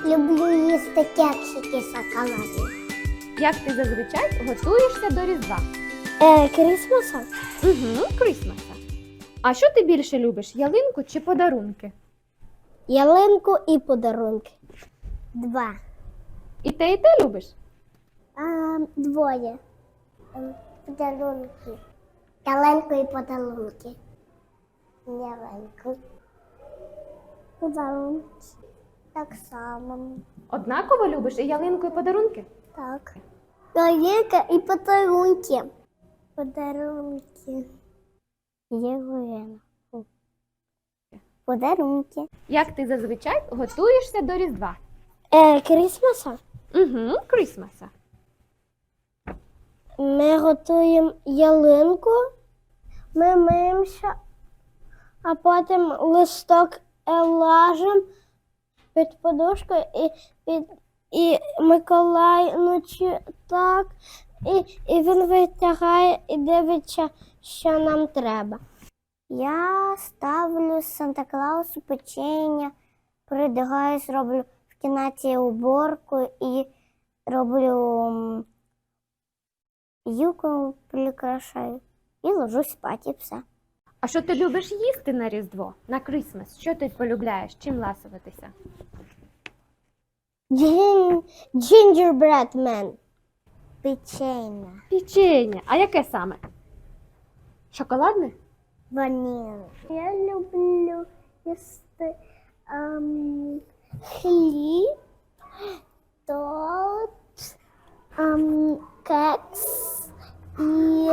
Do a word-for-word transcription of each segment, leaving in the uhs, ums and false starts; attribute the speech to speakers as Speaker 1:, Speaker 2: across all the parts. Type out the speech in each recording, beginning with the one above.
Speaker 1: Люблю їсти кексики шоколадні.
Speaker 2: Як ти зазвичай готуєшся до Різдва?
Speaker 1: Е, Крісмаса?
Speaker 2: Угу, Крісмаса. А що ти більше любиш, ялинку чи подарунки?
Speaker 1: Ялинку і подарунки. Два.
Speaker 2: І те, і те любиш?
Speaker 1: А, двоє. Ем, Подарунки. Ялинку і подарунки. Ялинку. Подарунки. Так само.
Speaker 2: Однаково любиш і ялинку, і подарунки?
Speaker 1: Так. Ялинка і подарунки. Подарунки. Ялинку. Подарунки.
Speaker 2: Як ти зазвичай готуєшся до Різдва?
Speaker 1: Е, Крісмаса?
Speaker 2: Угу, Крісмаса.
Speaker 1: Ми готуємо ялинку, ми миємося, а потім листок лажемо під подушкою і, під, і Миколай ночі так, і, і він витягає і дивиться, що нам треба. Я ставлю Санта-Клаусу печення, придягаюсь, роблю в кімнаті уборку і роблю юку прикрашаю і ложусь спати, і все.
Speaker 2: А що ти любиш їсти на Різдво, на Крісмас? Що ти полюбляєш? Чим ласуватися?
Speaker 1: Джин... Gingerbread man. Печення.
Speaker 2: Печення. А яке саме? Шоколадне?
Speaker 1: Ваніль. Я люблю їсти ем, хліб, торт, ем, кекс і,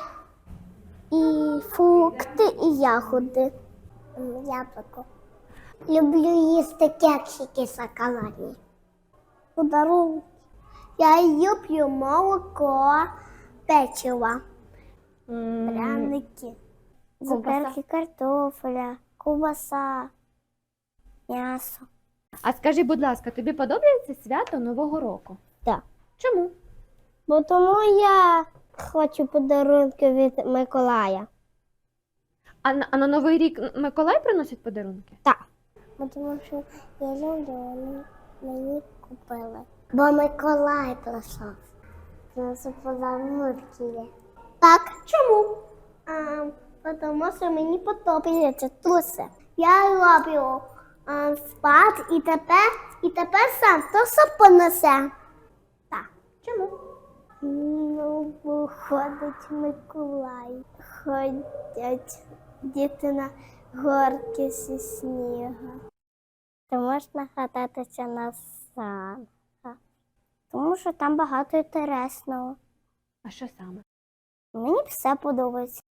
Speaker 1: і фрукти, і ягоди. Ем, Яблуко. Люблю їсти кексики шоколадні. Подарунки. Я люблю молоко, печиво,
Speaker 2: М,
Speaker 1: пряники,
Speaker 2: Ковбаса.
Speaker 1: цукерки картофеля, ковбаса, м'ясо.
Speaker 2: А скажи, будь ласка, тобі подобається свято Нового року?
Speaker 1: Так.
Speaker 2: Чому?
Speaker 1: Бо тому я хочу подарунки від Миколая.
Speaker 2: А на, а на Новий рік М- Миколай приносить подарунки?
Speaker 1: Так. Бо тому що я люблю, вони мені купили. Бо Миколай прийшов. Приносив подарунки. Так. Чому? А, тому що мені подобається труси. Я роблю а, спад і тепер, і тепер сам то все понесе. Так.
Speaker 2: Чому?
Speaker 1: Ну, бо ходить Миколай. Ходять діти на горки зі снігу. Ти можна кататися на санках, тому що там багато інтересного.
Speaker 2: А що саме?
Speaker 1: Мені все подобається.